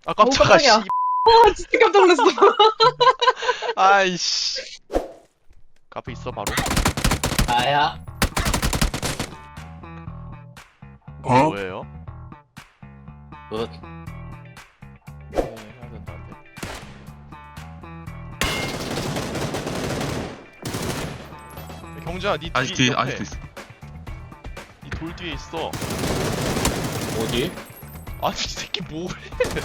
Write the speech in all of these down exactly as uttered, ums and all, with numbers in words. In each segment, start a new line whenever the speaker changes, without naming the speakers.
아 깜짝아.
깜짝이야.
씨.
와 진짜 깜짝 놀랐어.
아이씨. 카페 있어 바로.
아야.
어? 뭐예요?
굿.
네, 해야 된다. 안 돼. 경주야, 니
아직
뒤
뒤에
옆에.
아직도 있어.
니 돌 뒤에 있어.
어디?
아니 이 새끼 뭐해?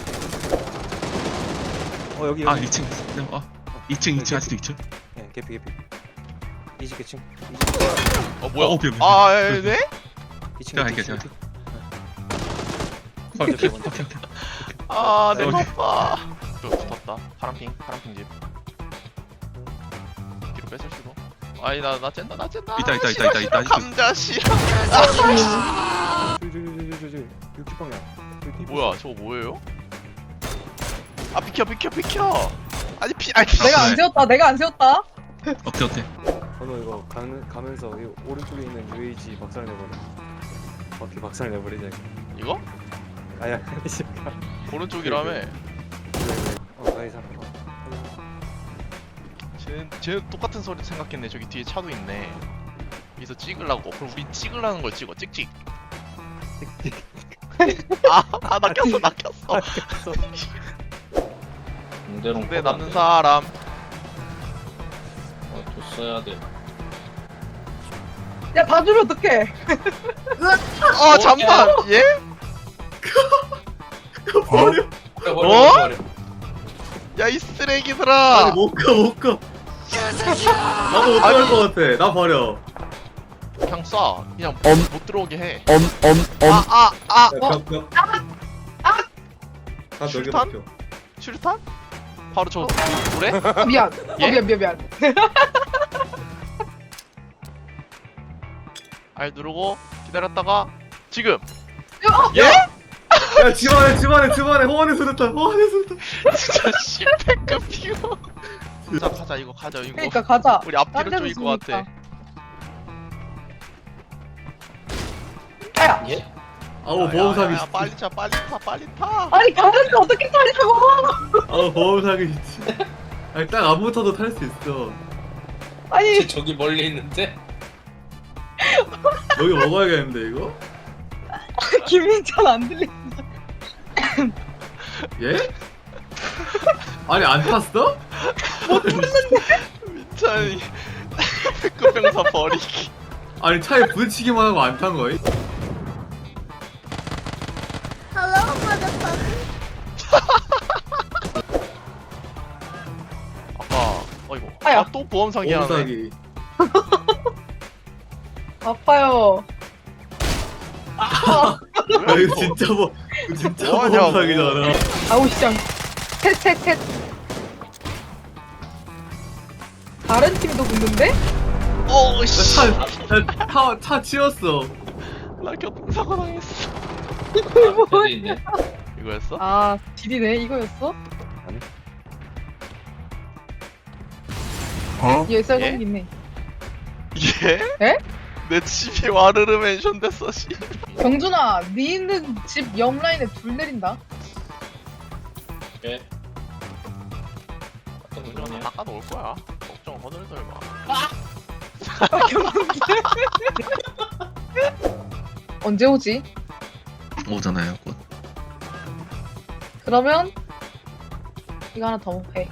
어 여기
아
여기
이 층. 네, 어. 이 층 이 층 아직도 이 층.
예 개피 개피 이십 개층
어 뭐야?
어, 오케이, 오케이.
아, 예, 네?
이층
제가 할게요, 제가.
오케이
오케이
오케이
오케이 오케이.
아, 내
오케이.
바빠. 또 붙었다. 파란핑, 파란핑 집. 뒤로 뺏을 수도. 아니 나나 쨘다, 나 쨘다.
있다, 있다,
싫어,
있다, 있다,
싫어,
있다.
감자 싫어.
저저저저저 육십 방향
뭐야? 저거 뭐예요? 아 비켜, 비켜, 비켜. 아니 피, 아니
내가 안 세웠다. 내가 안 세웠다.
어때 어때?
번호 이거 가는, 가면서 이 오른쪽에 있는 유에이지 박살 내버려 바퀴 박살 내버리자 이거.
이거?
아야 이 새끼
오른쪽이라며.
어 나이 사람
쟤는 쟤는 똑같은 소리 생각했네. 저기 뒤에 차도 있네. 여기서 찍으려고. 그럼 우리 찍으려는 걸 찍어. 찍찍. 아, 아 낚였어, 낚였어.
공대롱
근데 남는 사람.
어, 줬어야 돼.
야 봐주면 어떡해.
어 잠깐. 예?
버려, 버려,
어?
버려.
야 이 쓰레기들아.
아니 못가 못가 나도 못 들어갈 것 같아 나 버려
그냥 쏴. 그냥
엄.
못 들어오게 해.
엄엄엄
아, 아, 아.
야, 벽, 벽. 다 벽에
실탄?
박혀
수류탄? 바로 저 돌에?
아, 미안.
예?
어, 미안 미안 미안.
알 누르고 기다렸다가 지금.
어,
예?
야 집안에 집안에 집안에 호환의 수류탄 호환의 수류탄
진짜 십패급 피고. 가자 가자 이거 가자 이거.
그러니까 가자.
우리 앞뒤로
딴 데서
쪼일 것 같아.
쏘니까. 아야.
예?
아우
야,
보험
야,
사기
야, 빨리 차 빨리 타 빨리 타.
아니 가는데 어떻게 타냐고.
아우 보험 사기 진짜 아니 딱 안 붙어도 탈 수 있어
아니
저기 멀리 있는데?
여기 먹어야겠는데 이거?
김민찬 안 들리.
예? 아니 안 탔어?
민찬이 백급병사 버리기.
아니 차에 부딪히기만 하고 안 탄 거임?
아까 어이구.
아야.
아또 보험 사기
보험
하네.
사기
아파요.
야 이거 진짜 뭐 이거 진짜 보험
뭐하냐고.
사기잖아
아우 시장. 셋셋셋. 다른 팀도 붙는데?
어 씨.
차차 차 치웠어
나 교통사고 당했어.
아, 여기 있네.
이거였어?
아 딜이네 이거였어?
어?
얘 쌀
예?
공 있네.
예?
에?
내 집이 와르르 멘션 됐어 씨.
경준아, 네 있는 집 옆 라인에 불 내린다.
예. 어떤
운전
거냐?
닦아 놓을 거야. 걱정 허들덜 마.
아, 경준이. 언제 오지?
오잖아요. 곧.
그러면 이거 하나 더 해.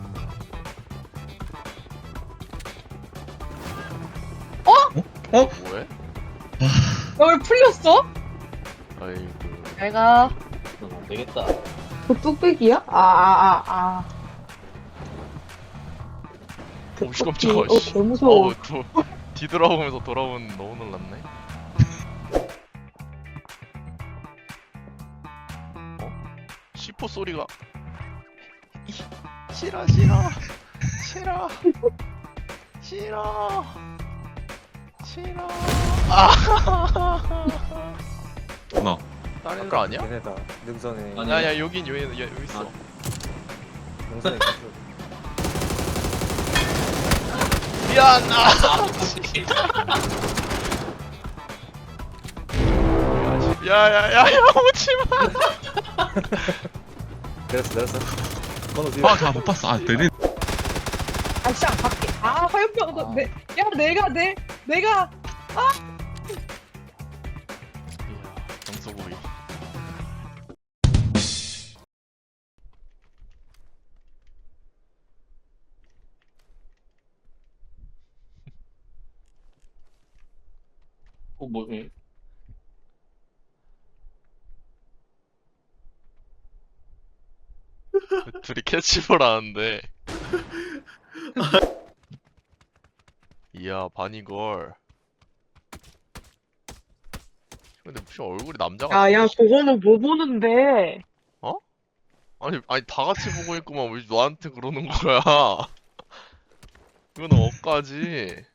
어?
뭐해?
너 왜 풀렸어?
아이고.
내가
그건 안 되겠다.
그 뚝배기야? 아 아 아 아. 그
오씨
뚝배기.
깜짝아
어,
씨.
개 무서워.
어우 또 뒤돌아보면서 돌아보는 너무 놀랐네. 어? 시포 소리가 이, 싫어 싫어 싫어 싫어 싫어. 아.
너.
다른 거 아니야?
얘네다 능선에
아니.
야야 여긴 여기 여기 여기 있어.
능선에 있어.
미안. 아. 야야야야 오지 마.
내렸어 내렸어. 건너 뒤에.
아, 나 못 봤어. 아, 내리.
아 진짜 밖에 아 화염병 너 내, 야 내가 내 내가
이야, 영소보이.
어, 뭐, 예.
둘이 캐치볼 하는데. 이야, 바니걸. 근데 무슨 얼굴이 남자 같아.
야야 그거는 뭐 보는데
아니, 아니 다 같이 보고 있구만. 왜 너한테 그러는 거야? 이거는 억까지.